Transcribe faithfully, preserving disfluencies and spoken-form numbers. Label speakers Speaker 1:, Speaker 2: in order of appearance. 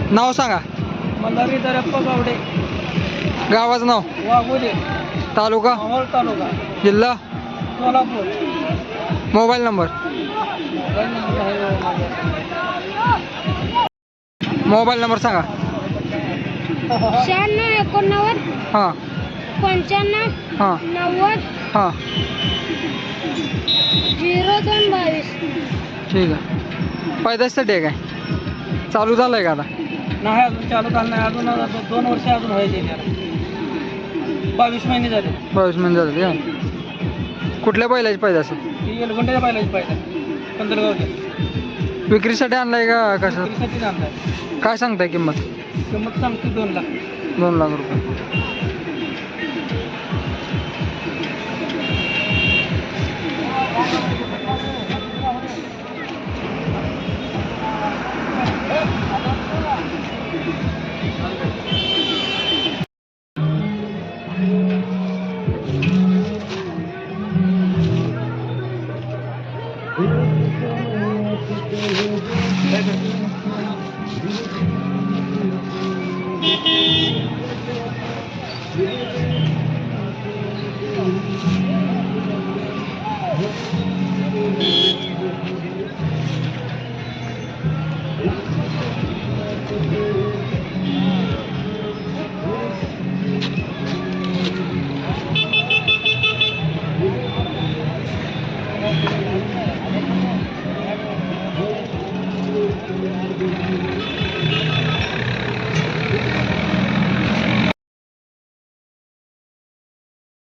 Speaker 1: नाव सांगा.
Speaker 2: मल्हारी दरप्पा गावडे.
Speaker 1: गावाचं नाव.
Speaker 2: वाघोली.
Speaker 1: तालुका.
Speaker 2: मावळ तालुका.
Speaker 1: जिल्हा.
Speaker 2: Solapur.
Speaker 1: Mobile number.
Speaker 2: Mobile number आहे हो माझ्याकडे.
Speaker 1: मोबाईल नंबर सांगा.
Speaker 3: शहाण्णव एकोणनव्वद
Speaker 1: हां
Speaker 3: पंच्याण्णव
Speaker 1: हां
Speaker 3: नव्वद
Speaker 1: हां
Speaker 3: झिरो दोन बावीस.
Speaker 1: ठीक आहे. पैदासाठी आहे काय? चालू झालं आहे का आता?
Speaker 2: नाही अजून चालू झालं नाही. अजून अजून दोन वर्ष अजून व्हायचे त्याला. बावीस महिने झाले.
Speaker 1: बावीस महिने झाले का? कुठल्या बैलाची पैदास?
Speaker 2: ती एलगुंड्याच्या बैलाची पाहिजे. पंधरगावच्या.
Speaker 1: विक्रीसाठी आणलाय का कसं?
Speaker 2: विक्रीसाठी आणलाय.
Speaker 1: काय सांगताय किंमत?
Speaker 2: किंमत सांगते दोन लाख.
Speaker 1: दोन लाख रुपये.